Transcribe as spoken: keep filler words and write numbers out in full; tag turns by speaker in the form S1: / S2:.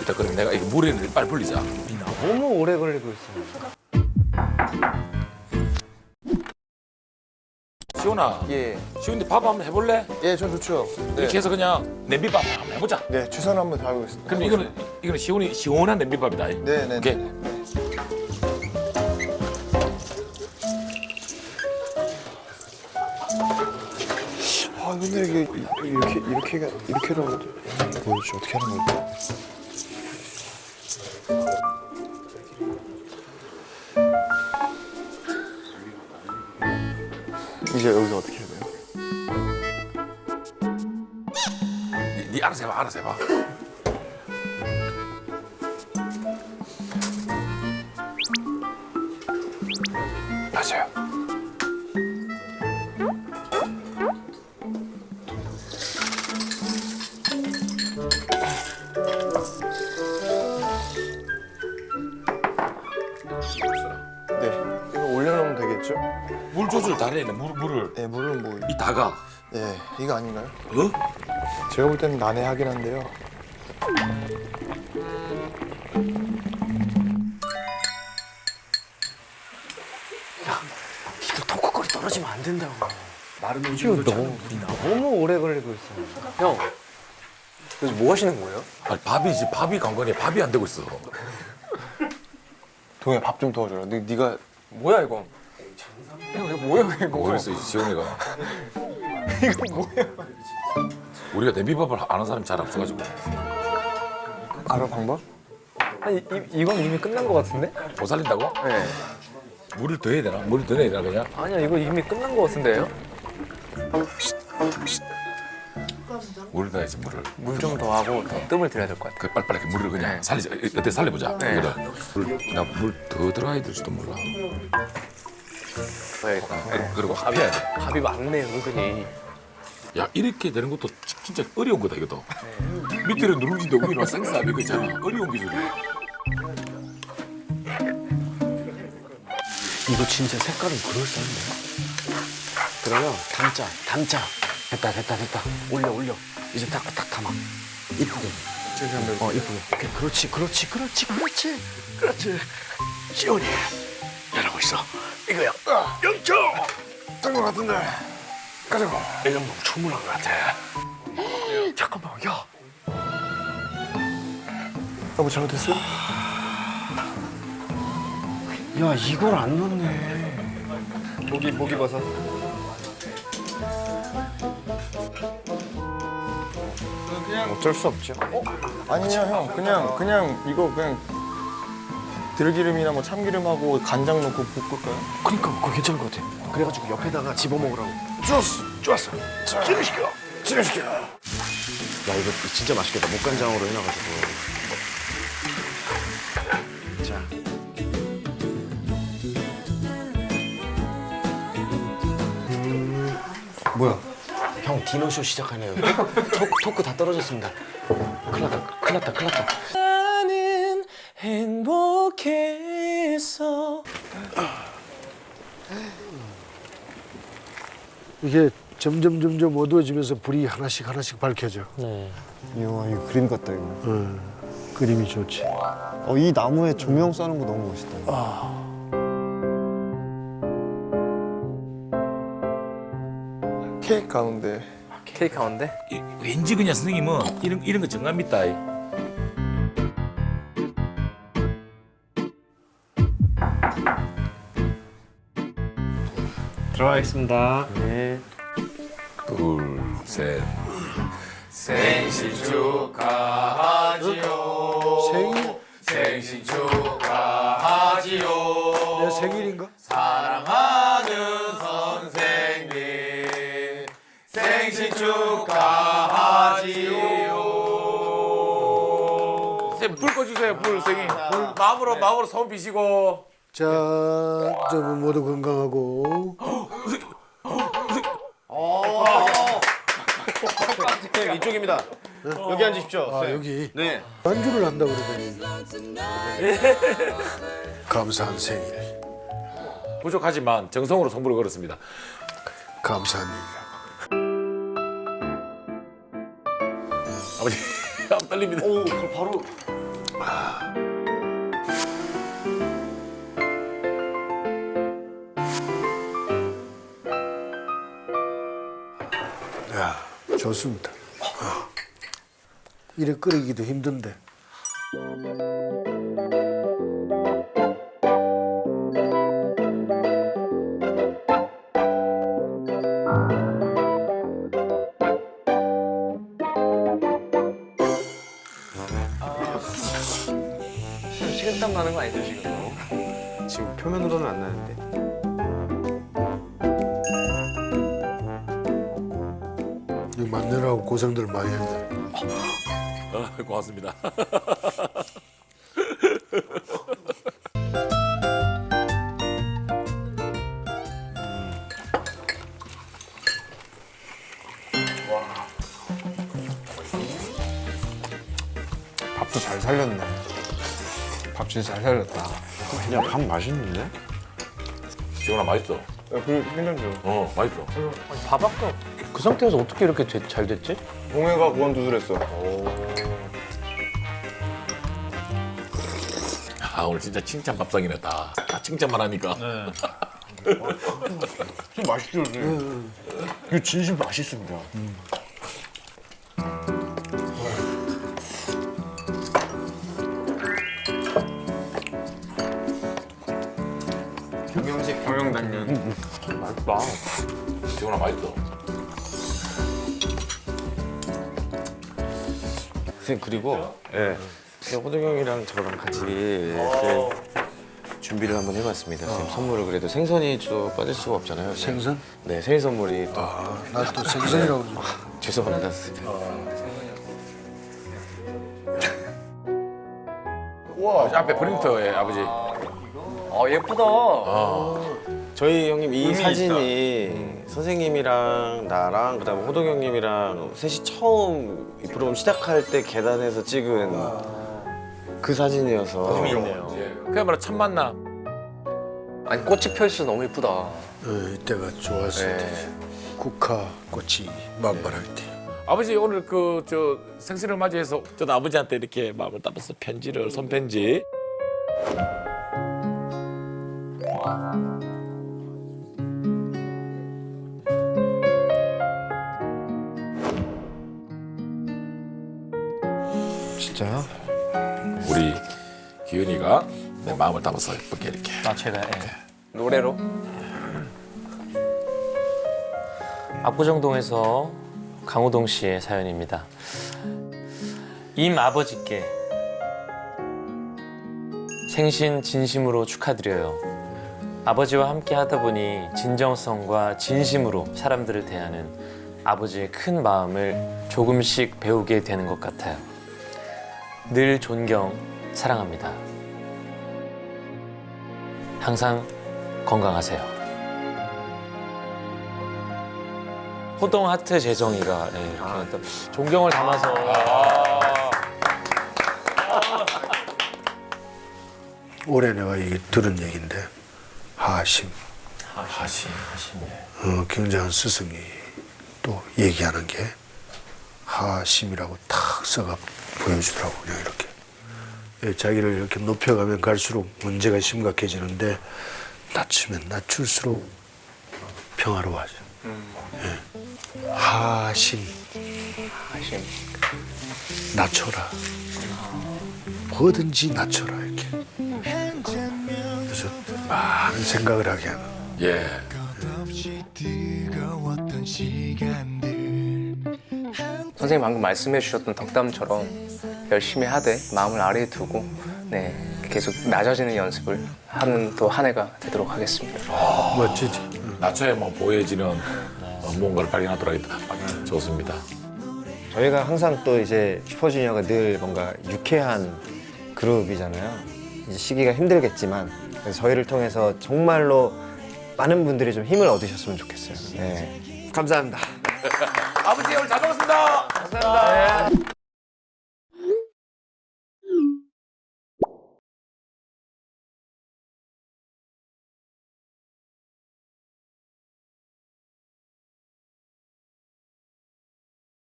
S1: 됐다. 그럼 내가 이거 물에 빨리 불리자.
S2: 너무 오래 걸리고 있어.
S1: 시원아.
S3: 예,
S1: 시원이 밥 한번 해볼래?
S3: 예, 전 좋죠. 네,
S1: 이렇게 해서 그냥 냄비밥 한번 해보자.
S3: 네, 최선을 한번 다하겠습니다.
S1: 그럼 이거는 이거는 시원이 시원한 냄비밥이다.
S3: 네, 네,
S1: 오케이.
S3: 네. 아, 근데 이게 이렇게 이렇게 이렇게라고 뭐였지? 어떻게 하는 거야? 이제 여기서 어떻게 해야 돼요?
S1: 니, 니 알아서 해봐. 알아서 해봐.
S3: 맞아요. 네, 이거 올려놓으면 되겠죠?
S1: 물 조절 잘해. 물 물을
S3: 네, 물은 뭐,
S1: 이 다가.
S3: 네, 이거 아닌가요?
S1: 어?
S3: 제가 볼 때는 난해하긴 한데요.
S2: 니도 톡톡거리 떨어지면 안 된다고.
S1: 마른
S2: 지금 너무 너무 오래 걸리고 있어. 형, 그래서 뭐 하시는 거예요?
S1: 아니 밥이지. 밥이 관건이야. 밥이 안 되고 있어.
S3: 동해 밥 좀 도와줘라. 네, 네가
S2: 뭐야 이거? 형 이거 뭐야 이거?
S1: 모르겠어. 시원이가.
S2: 이거 뭐야?
S1: 우리가 냄비밥을 아는 사람이 잘 없어가지고.
S3: 알아 방법?
S2: 아니 이, 이건 이미 끝난 거 같은데?
S1: 못 살린다고?
S2: 네.
S1: 물을 더 해야 되나? 물을 더 넣어야 되나 그냥?
S2: 아니야 이거 이미 끝난 거 같은데요?
S1: 물을 넣어야지 물을.
S2: 물 좀 더 하고 더 뜸을 들여야 될 것 같아.
S1: 그 빨리빨리 이렇게 물을 그냥 살리자. 어때 살려보자.
S2: 네.
S1: 나물 더 들어야 될지도 몰라.
S2: 봐야겠다.
S1: 그- 그리고 합해야 돼.
S2: 밥이 많네 은근히.
S1: 야 이렇게 되는 것도 지- 진짜 어려운 거다 이것도. 밑에는 누룽지인데 위는 생쌀 이거 있잖아. 어려운 기술이야.
S2: 이거 진짜 색깔은 그럴싸한데? 그러면 담자, 담자. 됐다, 됐다, 됐다. 올려, 올려. 이제 딱, 딱 담아. 이쁘게.
S3: 저기 한번
S2: 어, 이쁘게. 오케이, 그렇지, 그렇지, 그렇지, 그렇지. 그렇지. 시원히 잘하고 있어. 이거야. 영초!
S3: 뜬것 같은데. 가자고.
S2: 이 정도면 충분한 것 같아. 잠깐만, 야.
S3: 너무 잘못했어?
S2: 야, 이걸 안 넣네.
S3: 목이 목이 버섯. 그냥 어쩔 수 없죠. 어? 아니요 형, 그냥 그냥 이거 그냥 들기름이나 뭐 참기름하고 간장 넣고 볶을까요?
S2: 그러니까 그거 괜찮은 것 같아. 그래가지고 옆에다가 집어먹으라고.
S3: 좋았어, 좋았어. 진행시켜, 진행시켜.
S2: 야, 이거 진짜 맛있겠다. 목간장으로 해놔가지고. 자.
S3: 뭐야?
S2: 형 디너쇼 시작하네요. 토크, 토크 다 떨어졌습니다. 큰일 났다, 큰일 났다, 큰일 났다. 나는 행복했어.
S4: 이게 점점 점점 어두워지면서 불이 하나씩 하나씩 밝혀져.
S2: 네.
S3: 이야, 이거 그림 같다 이거.
S4: 어, 그림이 좋지.
S3: 어, 이 나무에 조명 쏴는 거 너무 멋있다. 케이크 가운데.
S2: 케이크 가운데?
S1: 이- 왠지 그냥 선생님은 이런 이런 거 정감 있다.
S2: 들어가겠습니다. 네.
S1: 둘, 셋.
S4: 생일
S1: 생신 축하하지요.
S4: 내 생일인가?
S1: 사랑하는 선생님 생신 축하하지요. 선생님 불 꺼주세요. 불 선생님. 불 마음으로 마음으로 손 비시고.
S4: 자, 저 모두 건강하고.
S5: 네, 이쪽입니다. 여기 앉으십시오.
S4: 아, 여기
S5: 네.
S4: 반주를 한다 그러더니. 감사한 생일.
S1: 부족하지만 정성으로 선물을 걸었습니다.
S4: 감사한 일.
S1: 아버지 안 떨립니다.
S5: 오, 그걸 바로
S4: 야, 좋습니다. 어. 이래 끓이기도 힘든데.
S2: 식은땀 나는 거 아니죠 지금?
S5: 지금 표면으로는 안 나는데.
S4: 이 만내라고 고생들 많이 했네.
S1: 아, 고맙습니다.
S3: 밥도 잘 살렸네. 밥 진짜 잘 살렸다.
S5: 야, 밥 맛있는데?
S1: 지훈아 맛있어.
S3: 그 괜찮죠?
S1: 어 맛있어.
S2: 밥 아까 그 상태에서 어떻게 이렇게 되- 잘 됐지?
S3: 동해가 구원 두드렸어.
S1: 아 오늘 진짜 칭찬 밥상이네 다. 다 칭찬만 하니까.
S3: 진짜 맛있죠, 이거 진심 맛있습니다. 경영식 경영당면.
S1: 맛있다. 지훈아 맛있어.
S5: 선생님 그리고 예. 호동 형이랑 저랑 같이 네, 준비를 한번 해봤습니다. 선생님 선물을 그래도 생선이 좀 빠질 수가 없잖아요.
S4: 생선?
S5: 네, 생일 선물이 또
S4: 아, 나 또 생선이라고 그러지.
S5: 죄송합니다. 선생님.
S1: 와 앞에 프린터에 아버지.
S2: 아 예쁘다.
S5: 저희 형님 이 사진이 선생님이랑 나랑 그다음에 호동 형님이랑 셋이 처음 이 프로그램 시작할 때 계단에서 찍은 그 사진이어서
S1: 예. 그야말로 첫 만남.
S2: 아니 꽃이 펴 있어 너무 예쁘다.
S4: 어, 이때가 좋았을
S2: 네.
S4: 때지. 국화 꽃이 만발할 때.
S1: 아버지 오늘 그 저 생신을 맞이해서 저도 아버지한테 이렇게 마음을 담아서 편지를 손편지.
S3: 진짜요?
S1: 우리 기은이가 내 마음을 담아서 예쁘게 이렇게.
S2: 아 제가 예. 노래로. 압구정동에서 강호동 씨의 사연입니다. 임 아버지께 생신 진심으로 축하드려요. 아버지와 함께 하다 보니 진정성과 진심으로 사람들을 대하는 아버지의 큰 마음을 조금씩 배우게 되는 것 같아요. 늘 존경, 사랑합니다. 항상 건강하세요. 호동 하트 재정이가 예, 이렇게 또 존경을 담아서
S4: 올해 내가 이 들은 얘긴데 하심.
S1: 하심 하심.
S4: 어, 굉장한 스승이 또 얘기하는 게 하심이라고 탁 써가 보여주더라고 그냥 이렇게. 예, 자기를 이렇게 높여가면 갈수록 문제가 심각해지는데 낮추면 낮출수록 평화로워져. 예. 하심.
S2: 하심.
S4: 낮춰라. 뭐든지 낮춰라 이렇게. 그래서 많은 생각을 하게 하는.
S1: 예.
S6: 선생님 방금 말씀해 주셨던 덕담처럼 열심히 하되 마음을 아래에 두고 네 계속 낮아지는 연습을 하는 또 한 해가 되도록 하겠습니다.
S4: 멋지지.
S1: 낮춰야만 보여지는 어, 무언가를 발견하더라고요. 아, 좋습니다.
S7: 저희가 항상 또 이제 슈퍼주니어가 늘 뭔가 유쾌한 그룹이잖아요. 이제 시기가 힘들겠지만 그래서 저희를 통해서 정말로 많은 분들이 좀 힘을 얻으셨으면 좋겠어요. 네. 감사합니다.
S1: 아버지 오늘 잘 먹었습니다.